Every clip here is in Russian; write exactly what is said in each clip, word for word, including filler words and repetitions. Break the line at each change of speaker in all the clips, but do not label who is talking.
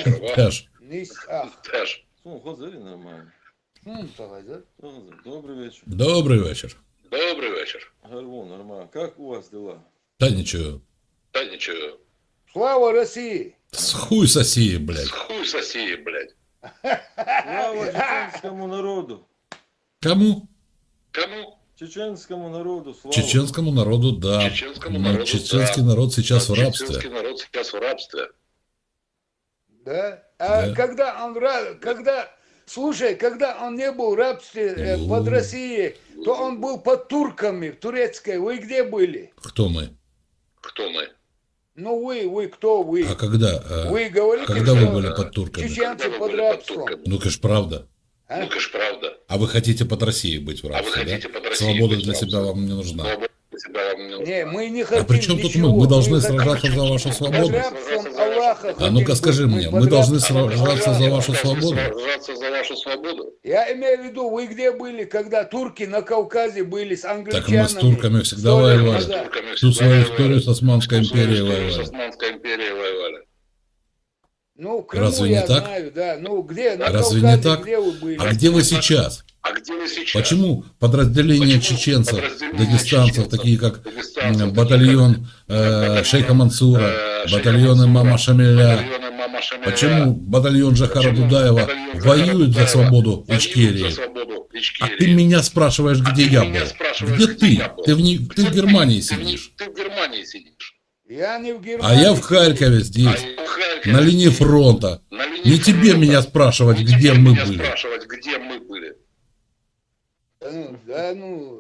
Теж.
Nis, ah,
Теж.
Ну, Хозарі нормально.
hmm, tagad,
Хозарі, добрий вечір.
Добрий вечір.
Добрий вечір.
Гарвон, нормально. Как у вас дела?
Та нічого.
Та нічого.
Слава России!
С хуй соси, блядь.
Хуй сосі, блядь.
Слава чеченському народу.
Кому?
Кому?
Чеченському народу, слава.
Чеченскому народу, да.
Чеченскому
Но
народу,
чеченский
да.
народ сейчас в
Чеченський
рабстве.
народ сейчас в рабстве.
Да? А
Да.
когда он, ра- когда, слушай, когда он не был в рабстве э,
Ну.
под Россией, то он был под турками в турецкой. Вы где были?
Кто мы?
Хто ми?
Ну вы, вы кто вы?
А когда? а,
Вы говорите,
когда вы
что
были под турками?
чеченцы
Когда вы
под
были под
рабством.
турками?
Ну, конечно, правда.
А?
Ну, ж правда.
А вы хотите под Россией быть в
А вы
рабстве,
хотите
да?
под Россией
Свобода
быть в
для себя
рабстве?
вам не нужна.
Свобода для себя вам не нужна.
Не, мы не хотим
А при чем тут мы?
ничего.
Мы должны
хотим
сражаться за вашу
под
свободу.
рабством Аллаха.
А
хотим
ну-ка
быть.
скажи
Мы
мне,
под
мы должны
рабством
сражаться за
Аллаха.
вашу
Должны
свободу?
сражаться за вашу свободу.
Я имею в виду, вы где были, когда турки на Кавказе были с англичанами?
Так мы с турками всегда
Сто лет
воевали.
назад.
Турками
Всю
всегда
свою
воевали.
историю с Османской
Всю свою
империей
историю с
воевали.
Османской империей воевали.
Ну, в Крыму
Разве не
я
так?
знаю, да. Ну, где, на
Разве
Кавказе,
не так?
где вы были?
А где вы сейчас?
А где вы сейчас?
Почему подразделения
Почему
чеченцев,
подразделения
дагестанцев,
чеченцев,
такие как
дагестанцев,
м,
такие
батальон э,
батальон,
Шейха Мансура,
э, Шейха
батальоны
Мансура,
Мама Шамиля,
батальоны Мама Шамиля?
почему батальон Жахара
Почему
Дудаева
батальон
воюет за
Жахара
свободу
Дудаева воюет
Ичкерии?
за свободу
А
Ичкерии?
ты меня спрашиваешь,
А
где
ты
я
меня
был?
спрашиваешь,
Где
где
ты?
я был?
Ты в, не- ты в Германии
Ты в не-
сидишь.
Ты в Германии сидишь.
Я не в
А
Германии.
я в Харькове
А
здесь,
я в Харькове
на линии
здесь,
фронта.
на линии
Не тебе
фронта.
меня спрашивать,
Не
где
тебе
мы
меня
были.
спрашивать, где мы были.
Да ну, да ну.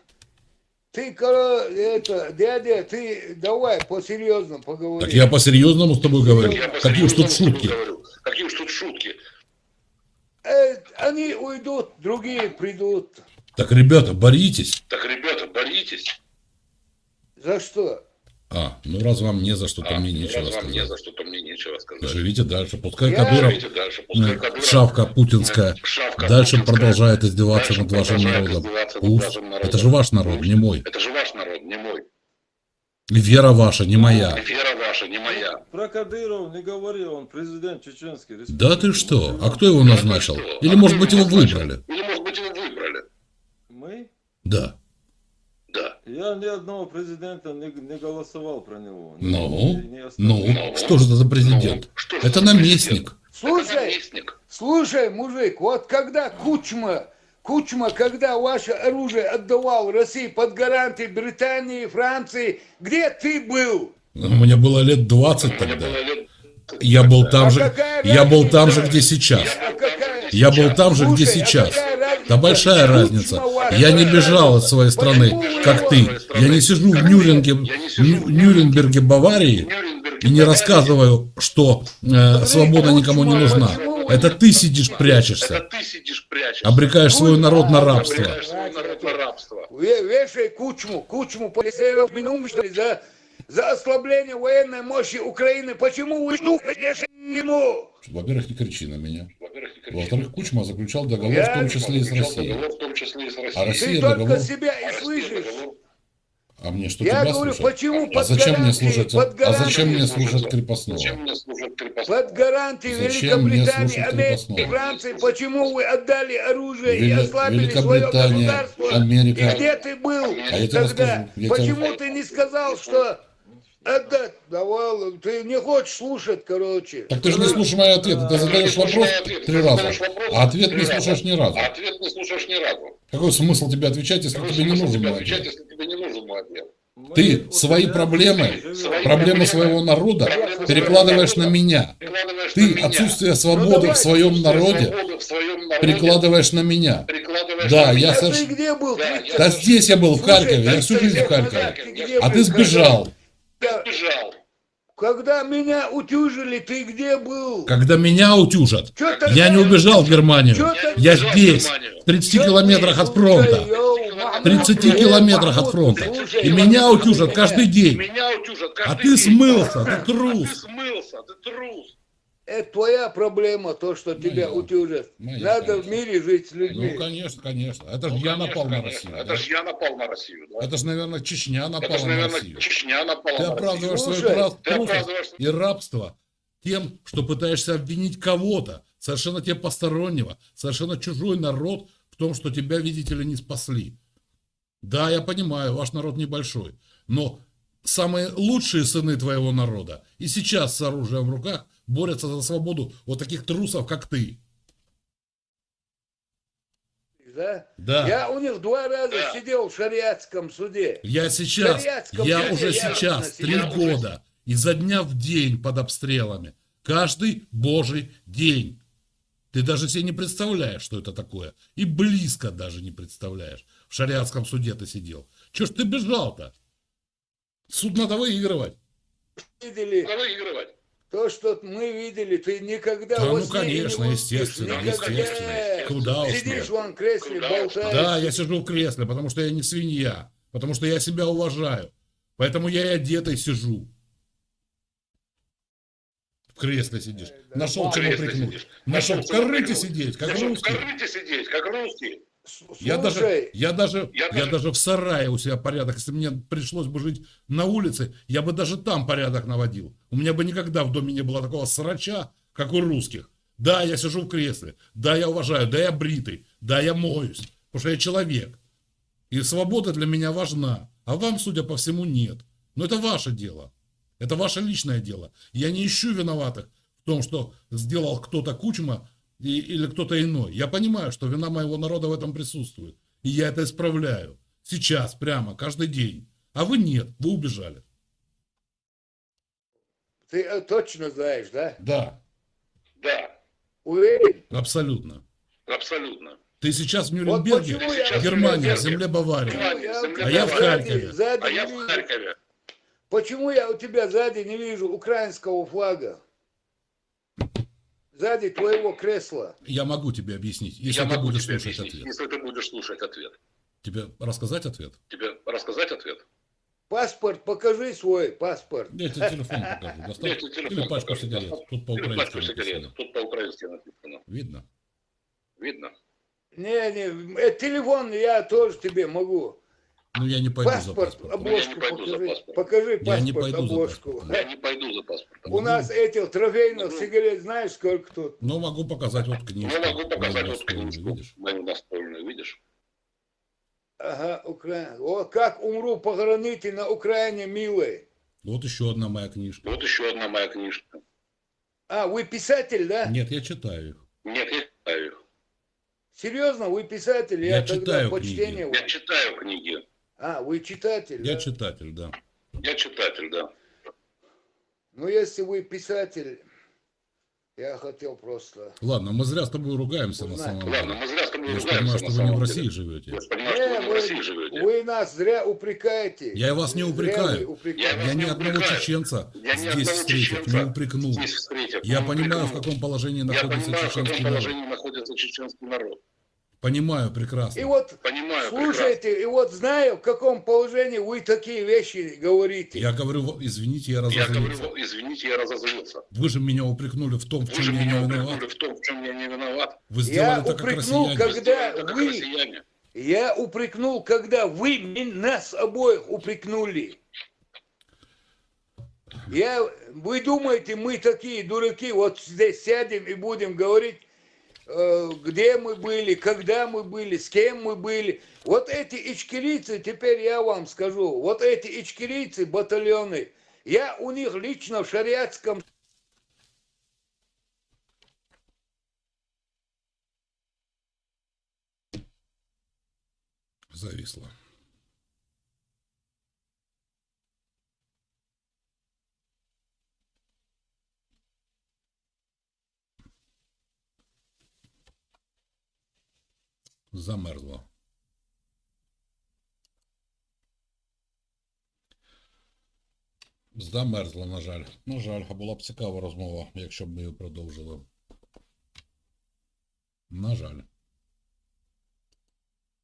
Ты, коро- это, дядя, ты давай по-серьезному поговори.
Так я по-серьезному с тобой говорю.
Я
Какие уж
по-серьезному
тут
с тобой
шутки.
говорю. Какие уж тут шутки.
Э, они уйдут, другие придут.
Так, ребята, боритесь.
Так, ребята, боритесь.
За что?
А, ну раз вам не за что, то
А,
мне
ну,
нечего
раз вам не
сказать.
за что, то мне нечего сказать.
Живите дальше. Пускай
Я-
Кадыров,
Живите дальше. Пускай
м,
Кадыров,
шавка путинская,
шавка
дальше
путинская,
продолжает издеваться
дальше
над вашим
продолжает
народом.
издеваться над
Пусть.
вашим народом.
Это же ваш народ,
Пусть.
не мой.
Это же ваш народ, не мой.
И вера ваша, не моя.
Вера ваша, не моя.
Про Кадыров не говори, он президент Чеченской республики.
Да ты что? А кто его
Да
назначил?
ты что?
Или
А
может
кто
быть его
назначил?
выбрали?
Или может быть его выбрали?
Мы?
Да.
Да.
Я ни одного президента не, не голосовал про него. Ни-
Ну,
ни- ни остальных.
ну, что же это за президент?
Ну, что же
Это
за президент?
наместник.
Это
Слушай,
наместник.
слушай, мужик, вот когда Кучма, Кучма, когда ваше оружие отдавал России под гарантии Британии, Франции, где ты был?
Мне было лет двадцать
Мне
тогда.
было лет-
Я был там
А
же,
какая
я был там же,
разница?
где сейчас.
А какая-
Я был там же, где
Слушай, а
сейчас.
какая разница?
Да большая
Кучма
разница.
ваша,
Я не
какая
бежал от
разница?
своей страны,
Почему вы
как
его-
ты. Я не сижу в Нюрнберге,
Я не сижу в
Ню- Нюрнберге, Баварии
Нюрнберге,
и не
Баварии.
рассказываю, что э, свобода никому не нужна.
Почему вы-
Это ты сидишь,
Это
прячешься,
ты сидишь, прячешься.
обрекаешь свой народ на рабство.
Обрекаешь свой народ на рабство.
Ве- Вешай Кучму, Кучму полицейов минимум, что ли, за, за ослабление военной мощи Украины. Почему вы вешаете ему?
Во-первых, не кричи на меня.
Во-первых, не кричи.
Во-вторых, Кучма заключал договор,
Я-
в том числе и с
Заключал
Россией.
договор, в том числе и с Россией.
А Россия
Ты только
договор.
себя
А
и
Россия
слышишь.
договор.
А мне что,
Я
тебя
говорю,
слушать?
почему
А
под
зачем мне
гарантией,
слушать?
под
А зачем мне
гарантией,
слушать крепостного?
Зачем мне служить крепостного?
под гарантией
Зачем мне
Великобритании,
слушать
Америки,
крепостного?
Франции, почему вы отдали оружие и
Вели-
ослабили свое
Великобритания,
государство?
Америка.
И где ты был
А
я тебе
тогда?
расскажу, я
Почему
тебе-
ты не сказал, что отдать? Давал, ты не хочешь слушать, короче.
Так ты же не слушаешь мои ответы. Ты задаешь
слушаешь
вопрос
мои ответы,
три
ты
раза,
задаешь вопрос
а ответ
три
не
раза.
слушаешь ни разу.
А ответ не слушаешь ни разу.
Какой смысл тебе отвечать, если
Какой
тебе не
смысл
нужен
тебе
мой
отвечать,
ответ?
если тебе не нужен мой ответ?
Мы
Ты
вот
свои
рядом
проблемы,
живем.
Свои
проблемы своего народа
Проблемы
перекладываешь
своего
на меня.
Перекладываешь на
Ты
меня.
отсутствие
Ну,
свободы
давай,
в своем
Отсутствие
народе
свободы в своем народе
перекладываешь на меня.
перекладываешь
Да,
на
я
меня.
А
соверш-
ты где был?
Да,
тридцать
я-
Да здесь я был, в
Слушай,
Харькове, я всю
тридцать
жизнь в
лет
Харькове.
назад ты где
А
был?
ты сбежал.
Когда-
Бежал.
Когда меня утюжили, ты где был?
Когда меня утюжат,
Чё ты
я не
такая-
убежал в Германию.
Чё ты-
Я
Бежал в
здесь,
Германию.
в тридцати
Чё
километрах
ты,
от фронта.
слушай, йоу, Махмуд,
В тридцати
э,
километрах от
Махмуд,
фронта.
слушай,
И
Махмуд,
меня утюжат каждый день.
Меня утюжат
А
каждый
ты
день.
смылся, ты
А ты
трус.
смылся, ты трус.
Это твоя проблема, то, что тебя
Моя.
утюжат.
Моя,
Надо в
конечно.
мире жить с людьми.
Ну, конечно, конечно. Это же
Ну,
я
конечно,
напал на
конечно.
Россию.
Это
да?
же я напал на Россию. Да?
Это же, наверное, Чечня
Это
напала
же,
на
наверное,
Россию.
Чечня напала
Ты
на Россию.
оправдываешь свою
Слушай,
трас-
ты
трусость
оправдываешь-
и рабство тем, что пытаешься обвинить кого-то, совершенно тебе постороннего, совершенно чужой народ в том, что тебя, видите ли, не спасли. Да, я понимаю, ваш народ небольшой, но самые лучшие сыны твоего народа и сейчас с оружием в руках борются за свободу вот таких трусов, как ты.
Да?
Да.
Я у них два раза
Да.
сидел в шариатском суде.
Я сейчас,
Шариатском
я
суде
уже
я
сейчас три
сидел.
года изо дня в день под обстрелами. Каждый божий день. Ты даже себе не представляешь, что это такое. И близко даже не представляешь. В шариатском суде ты сидел. Чего ж ты бежал-то? Суд надо выигрывать.
Видели
Надо выигрывать.
то, что мы видели, ты никогда
Да,
во
ну,
сне и не
конечно,
увидишь.
естественно,
Никогда.
естественно. Куда уж
Сидишь
ты.
вон в кресле,
Куда уж.
болтаешь.
Да, я сижу в кресле, потому что я не свинья. Потому что я себя уважаю. Поэтому я и одетый сижу. В кресле сидишь. Нашел
В
чего
кресле
прикнуть.
сидишь.
Нашел в
чего
корыте
прикнуть.
сидеть, как
Нашел в
русский.
корыте сидеть, как русский.
Я даже,
Слушай,
я, даже,
Я
я,
даже-
даже в сарае у себя порядок. Если мне пришлось бы жить на улице, я бы даже там порядок наводил. У меня бы никогда в доме не было такого срача, как у русских. Да, я сижу в кресле. Да, я уважаю. Да, я бритый. Да, я моюсь. Потому что я человек. И свобода для меня важна. А вам, судя по всему, нет. Но это ваше дело. Это ваше личное дело. Я не ищу виноватых в том, что сделал кто-то Кучма и, или кто-то иной. Я понимаю, что вина моего народа в этом присутствует. И я это исправляю. Сейчас, прямо, каждый день. А вы нет, вы убежали.
ты э, точно знаешь, да?
Да,
Да,
Уверен?
абсолютно.
абсолютно.
Ты сейчас в
Вот
Нюрнберге,
почему
я
в Германии,
в
в земле Баварии.
Германии, земля
А я в
Баварии.
Харькове.
Сзади
А
не
я в
вижу.
Харькове.
Почему я у тебя сзади не вижу украинского флага? Сзади твоего кресла.
Я могу тебе объяснить, если
Я
ты
могу
будешь
тебе
слушать
объяснить,
ответ.
если ты будешь слушать ответ.
Тебе рассказать ответ?
Тебе рассказать ответ?
Паспорт, покажи свой паспорт.
Я тебе телефон покажу. Достав?
Я тебе телефон
Или пачку
покажу.
сигарет. Тут
Или
по-украински
пачку сигарет.
написано.
Тут по-украински написано.
Видно?
Видно?
Не, не, э, телефон я тоже тебе могу.
Ну я не пойду за
Паспорт,
паспортом.
обложку
Я не пойду за
покажи.
паспортом.
Покажи
Я не
паспорт,
пойду за
обложку.
паспортом.
Я не пойду за паспортом.
У нас этих трофейных
Ну.
сигарет знаешь сколько тут?
Но могу показать вот книжку.
Я могу показать
мою
вот
настольную,
книжку
видишь?
мою настольную, видишь?
Ага, Украина. О, как умру, похороните на Украине, милые.
Вот еще одна моя книжка.
Вот еще одна моя книжка.
А, вы писатель, да?
Нет, я читаю их.
Нет, я читаю их.
Серьезно, вы писатель?
Я
Я, тогда
читаю
почтение
книги.
Я
вам.
читаю книги.
А, вы читатель,
Я
да?
читатель, да.
Я читатель, да.
Ну, если вы писатель, я хотел просто...
Ладно, мы зря с тобой ругаемся на
Узнать.
самом
Ладно,
деле.
мы зря с тобой
Я же
ругаемся
понимаю,
на
что вы не
самом
в
деле.
России живете.
Я же понимаю, что вы не в
вы,
России живете.
вы нас зря упрекаете.
Я вас не
Зря
упрекаю.
вы упрекаете.
Я
Я
вас
ни
не
одного
упрекаю.
чеченца
Я ни
здесь
одного
встретив,
чеченца
не упрекнул.
здесь встретив,
Я
не
понимаю, в
упрекнул.
каком положении
Я
находится
понимаю, в каком
чеченский народ.
положении находится чеченский народ.
Понимаю
И
прекрасно.
вот,
Понимаю
слушайте, и вот знаю, в каком положении вы такие вещи говорите.
Я говорю, извините, я
Я
разозлился.
говорю, извините, я разозлился.
Вы же меня упрекнули в том, в
Вы
чем
же
я не
меня
виноват.
упрекнули в том, в чем я не виноват.
Вы сделали
Я
так, как
упрекнул,
россияне.
как- Когда
Сделали так,
вы-
как россияне.
Я упрекнул, когда вы ми- нас обоих упрекнули. Я, вы думаете, мы такие дураки, вот здесь сядем и будем говорить, э, где мы были, когда мы были, с кем мы были. Вот эти ичкерийцы, теперь я вам скажу, вот эти ичкерийцы, батальоны, я у них лично в шариатском
Зависло. Замерзло. Замерзла, на жаль. На жаль, а була б цікава розмова, якщо б ми її продовжили. На жаль.